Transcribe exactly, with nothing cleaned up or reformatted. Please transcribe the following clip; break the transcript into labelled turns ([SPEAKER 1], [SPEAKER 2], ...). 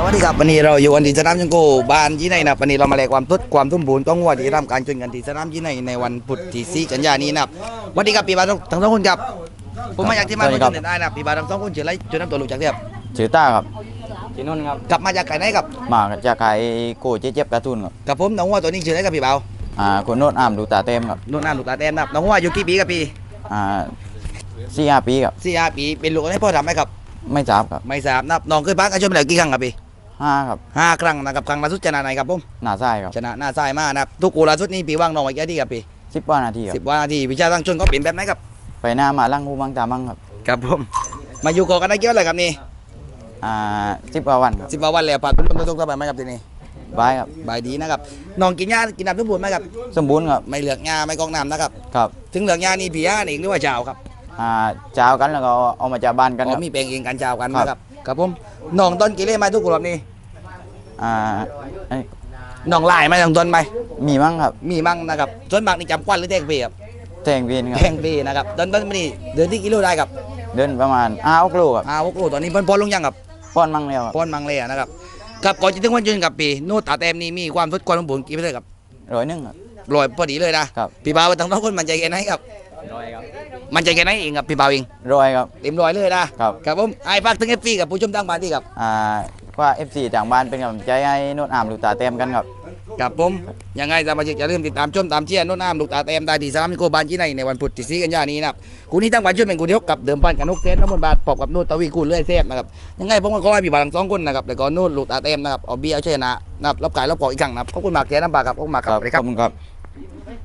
[SPEAKER 1] วัสดีครับวันนี้เราอยู่กันที่สนามจังโกบ้านยี่ในนะวันนี้เรามาแลกความทุดความทุ่มบูนต้องวัวที่ทำการชนกันที่สนามยี่ในในวันพุธที่สี่กันยายนนี้นะครับสวัสดีครับพี่บาททั้งสองคนครับผมมาจากที่มาชนได้นะพี่บาททั้งสองคนเฉลยจนน้ำตัวลูกจากเทียบ
[SPEAKER 2] ชื่อต้าครับ
[SPEAKER 3] จีนนท์ครับ
[SPEAKER 1] กลับมาจากไก่ไหนครับ
[SPEAKER 2] มาจากไก่โกเจ๊เจ็บการ์ตูนครับ
[SPEAKER 1] กับผมน้องวัวตัวนี้ชื่ออะไรครับพี่เบา
[SPEAKER 2] อ่าคนโน้นอ่ามดูตาเต็มครับ
[SPEAKER 1] โน่นน้าลูกตาแต้มนะครับน้องวัวอยู่กี่ปีครับพี่
[SPEAKER 2] อ่าสี่ห้าปีครับ
[SPEAKER 1] สี่ห้าปีเป็นลูกให้พ่อทำไหมครับ
[SPEAKER 2] ไม่ทราบครับ
[SPEAKER 1] ไม่ทราบนะครับน้องเคยพักกันชนมาแล้วกี่ครั้งครับพี่
[SPEAKER 2] ห้าครับ
[SPEAKER 1] ห้าครั้งนะครับครั้งล่าสุดชนะไหนครับผม
[SPEAKER 2] หน้าไส้ครับ
[SPEAKER 1] ชนะหน้าทรายมากนะครับทุกกูล่าสุดนี้พี่ว่างน้องไว้แค่ที่ครับพี่
[SPEAKER 2] สิบกว่านาทีครั
[SPEAKER 1] สิ
[SPEAKER 2] บบ
[SPEAKER 1] ว่านาทีวิชาตั้งชนก็เปลี่ยนแบบไหนครับ
[SPEAKER 2] ไปหน้ามาลั่งหูมังตามังครับ
[SPEAKER 1] ครับผมมาอยู่เกาะกันได้เกี่ยวอะไรครับนี่
[SPEAKER 2] อ่าสิบกว่าวันครับ
[SPEAKER 1] สิบกว่าวันแล้วผ่านพ้นต้นตกสบายไหมครับทีนี้
[SPEAKER 2] บายครับ
[SPEAKER 1] บายดีนะครับน้องกินหญ้ากินน้ำทุกบุญไหมครับ
[SPEAKER 2] สมบูรณ์ครับ
[SPEAKER 1] ไม่เหลือกหญ้าไม่กองน้ำนะครับ
[SPEAKER 2] ครับ
[SPEAKER 1] ถึงเหลือกหญ้านี่ผีหญ้าเองหรือว่าเจ้าครับ
[SPEAKER 2] อ่าเจ้ากันแล้วก็เอามาจากบ้านกัน
[SPEAKER 1] อ๋
[SPEAKER 2] ค
[SPEAKER 1] อ
[SPEAKER 2] รับ
[SPEAKER 1] มีแปลงเองกันเจ้ากัน
[SPEAKER 2] ครับ
[SPEAKER 1] นะครับครับผมน้องต้นกี่เล่ไหมทุกคนแบบนี้
[SPEAKER 2] อ่าเอ้ย
[SPEAKER 1] น้องลายไหมน้องต้นไหม
[SPEAKER 2] มีมั้งครับ
[SPEAKER 1] มีมั่งนะครับส่วนมากนี่จำควันหรือแทงปีครับ
[SPEAKER 2] แทงวีนครับ
[SPEAKER 1] แทงปีนะครับต้นต้นนี่เดือนที่กิโลได้ครับ
[SPEAKER 2] เดินประมาณอ้าวกลูครับ
[SPEAKER 1] อ้าวโอ้ตอนนี้เพิ่นพอลงยังครับ
[SPEAKER 2] ป้อนมั่งแล้วครับ
[SPEAKER 1] พอนมังเลยนะครับกับก่อนจะถึงวันยืนกับปีนู่นตาแต้มนี่มีความทุดความสมบูรณ์กี่เปอร์เซ็นต์ครับ
[SPEAKER 2] ร้อยหนึ่งครับ
[SPEAKER 1] ลอยพอดีเลยนะครับ พี่บ่าวทั้งสองคนมันใจแค่ไหนครับ
[SPEAKER 3] ร้อยครับ
[SPEAKER 1] มันใจแค่ไหนเองครับพี่บ่าวเอง
[SPEAKER 2] ร้อยครับ
[SPEAKER 1] เต็มร้อยเลยนะครับ ครับผมไอ้ฝากถึงเอฟซีกับผู้ชมทางบ้านที่ครับ
[SPEAKER 2] อ่าว่า เอฟ ซี จากบ้านเป็นกำลังใจให้โน้นอ่ามดูตาเต็มกันครับ
[SPEAKER 1] กับผมยังไงสมาชิกอย่าลืมติดตามชมตามเชียร์โน้นน้ำลูกตาเต็มได้ที่สนามนิโกบานที่ในในวันพุธที่สี่กันยายนนี้นะครับคู่นี้ทั้งวันช่วยเป็นคู่ที่หกกับเดิมพันกับนกเทนน้ำมันบาทปอบกับนู่นตะวีกูเลื่อยเซฟนะครับยังไงผมก็ขอให้พี่บ่าวทั้งสองคนนะครับแล้วก็นู่นลูกตาเต็มนะครับเอาเบียร์เอาชนะนะครับรับกายรับกอกอีกครั้งนะครับขอบคุณมากเทียน้ำบาครับขอบคุณมากครับสวัสดี
[SPEAKER 2] ข
[SPEAKER 1] ค
[SPEAKER 2] อ
[SPEAKER 1] รั
[SPEAKER 2] บบ คุณครับ